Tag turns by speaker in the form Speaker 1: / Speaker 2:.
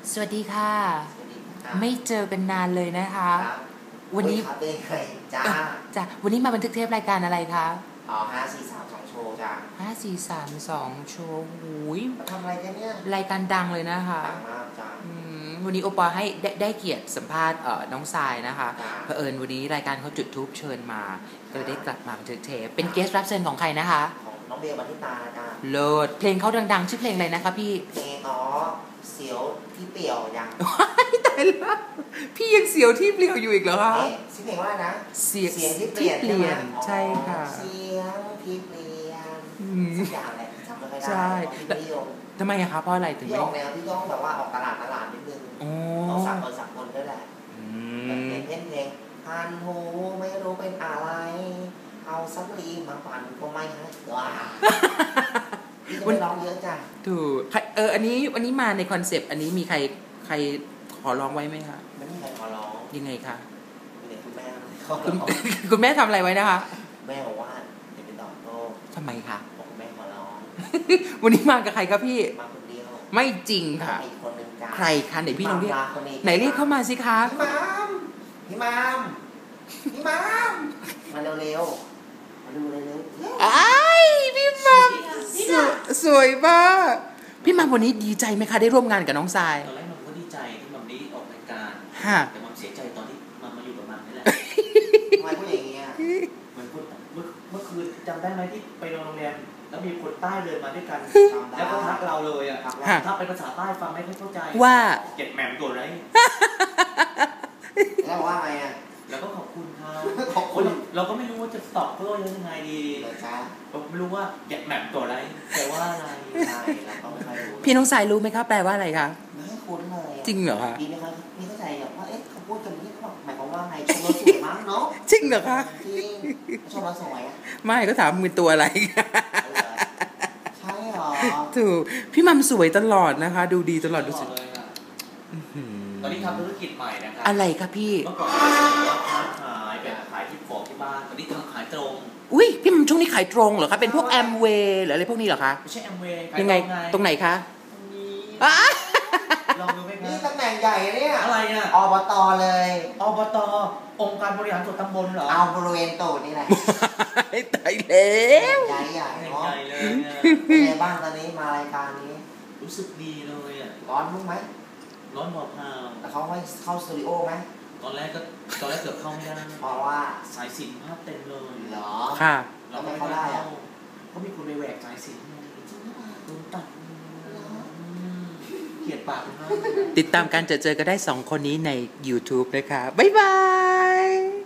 Speaker 1: สวัสดีค่ะไม่เจอกันนานเลยนะคะวันนี้จ้ะวันนี้มาบันทึกเทปรายการอะไรคะ
Speaker 2: 5432 โชว์จ้ะ
Speaker 1: 5432 โชว์หูย
Speaker 2: ทำอะไรกันเนี่ย
Speaker 1: รายการดังเลยนะคะ
Speaker 2: ดังมากจ้ะ
Speaker 1: วันนี้โอปอให้ได้เกียรติสัมภาษณ์น้องทรายนะคะเผอิญวันนี้รายการเขาจุดทูบเชิญมาก็เลยได้กลับมาบันทึกเทปเป็นเกสต์รับเชิญของใครนะคะ
Speaker 2: ของน้องเบลบันทิตาจ้ะ
Speaker 1: เลิศเพลงเขาดังๆชื่อเพลงอะไรนะคะพี่
Speaker 2: เพลงเสียวที่เปลี่ยวยัง
Speaker 1: ตายแล้วพี่ยังเสียวที่เปลี่ยวอยู่อีกเหรอคะ
Speaker 2: ชื่อเพลงว่านะ
Speaker 1: เสียงที่เปลี่ยนใช่ค่ะ
Speaker 2: เสียงที่เปลี่ยนสักอย่างแหละจำไม่ได้
Speaker 1: ใช่ทำไมอะคะเพราะอะไรถึง
Speaker 2: ไม่ออกแนวที่ต้องแบบว่าออกตลาดนิดนึงต้องสักคนด้วยแหละแบบเพลงพันหูไม่รู้เป็นอะไรเอาซักรีมาปั่นก็ไม่ฮะว้าวันร้องเยอะจ้ะ
Speaker 1: ถูกอันนี้มาในคอนเซปต์อันนี้มีใครขอร้องไว้ไหมคะ
Speaker 2: ไม่มีใครขอร้อง
Speaker 1: ยังไงคะ
Speaker 2: คุณ
Speaker 1: แม่ทำอะไรไว้นะคะ
Speaker 2: แม่บอกว่าอย่าไปตอบโต้
Speaker 1: ทำไมคะ
Speaker 2: บอกแม่ขอร้อง
Speaker 1: วันนี้มากับใครครับพี่
Speaker 2: มาคนเดียว
Speaker 1: ไม่จริงค่ะใครคะไหนพี่ลองเรียกไหนเรียกเข้ามาสิคะ
Speaker 2: พี่มามมาเร็วมาดูเร็ว
Speaker 1: พี่มัมสวยมากพี่มัมวันนี้ดีใจไหมคะได้ร่วมงานกับน้องทราย
Speaker 3: ตอนแรกมัมก็ดีใจที่มัมได้ออกรายการแต่มัมเสียใจตอนที่มัมมาอยู่กับมัมนี่แหละ
Speaker 2: ทำไมพูดอย่างนี้
Speaker 3: มันพูดเมื่อคืนจำได้ไหมที่ไปโรงแรมแล้วมีคนใต้เดินมาด้วยกันแล้วก็ทักเราเลยอ่ะทักเป็นภาษาใต้ฟังไม่เข้าใจ
Speaker 1: ว่า
Speaker 3: เก็บแหม่มตัวไร
Speaker 2: แล้วว่าไงอ่ะ
Speaker 3: แล้วก็ขอบคุณเขาเราก็ไม่รู้ว่าจะตอบเขายังไงดีเราไม่รู้ว่าเก็บแหม่มตัวไรแปลว่าอะไร
Speaker 2: เราก็ไม่ค่อยรู้
Speaker 1: พี่น้องสายรู้ไหมครับแปลว่าอะไรคะ
Speaker 2: ไม่คุ้นเลย
Speaker 1: จริงเหรอคะ
Speaker 2: ดีไหมครับไม่เข้าใจหรอกว่าเขาพูดกันนี่เขาหมายความว่าไงชมเราสวยมั้งเนาะ
Speaker 1: จริงเหรอคะ
Speaker 2: จริงชมเราสวยอ่ะ
Speaker 1: ไม่ก็ถามมือตัวอะไร
Speaker 2: ใช่หรอ
Speaker 1: ถูกพี่มัมสวยตลอดนะคะดูดีตลอดดูสิ
Speaker 3: ตอนนี้ทำธุรกิจใหม่นะครับ
Speaker 1: อะไรครับพี่
Speaker 3: เมื่อก่อนว่าค้าขายแบบขายที่ของที่บ้านตอนนี้ทำขายตรง
Speaker 1: อุ้ยพี่มัมช่วงนี้ขายตรงเหรอคะเป็นพวกแอมเวย์หรืออะไรพวกนี้เหรอคะ
Speaker 3: ไม่ใช่แอมเวย์
Speaker 1: ยังไงตรงไหนคะ
Speaker 3: ลองดูไหมครับ
Speaker 2: นี่ตำแหน่งใหญ่เนี่ย
Speaker 3: อะไรอ่ะ
Speaker 2: อบตเลย
Speaker 3: อบตองค์การบริหารส่วนตำบลเหรอ
Speaker 2: เอาบริเวณตูดนี่แหละ
Speaker 1: ตายแล้ว
Speaker 2: ใหญ่เนาะ
Speaker 3: เลย
Speaker 2: เป็นไงบ้างตอนนี้มารายการนี้
Speaker 3: รู้สึกดีเลยอ่ะ
Speaker 2: ร้อนมุ้งไหม
Speaker 3: ร้อนบอกพาว
Speaker 2: แต่เขาให้เข้าสตูดิโอไหม
Speaker 3: ตอนแรกเกือบเข้าไม่ได้
Speaker 2: เพราะว่า
Speaker 3: สายสิญจน์ภาพเต็มเลย
Speaker 2: เหรอ
Speaker 1: ค่ะ
Speaker 2: เราไม่เข้าได้อะ
Speaker 3: ก็มีคนไปแหวกสายสิญจน์โดนตัดเกลียดปากมาก
Speaker 1: ติดตามการเจอกันได้2 คนนี้ใน YouTube นะคะบ๊ายบาย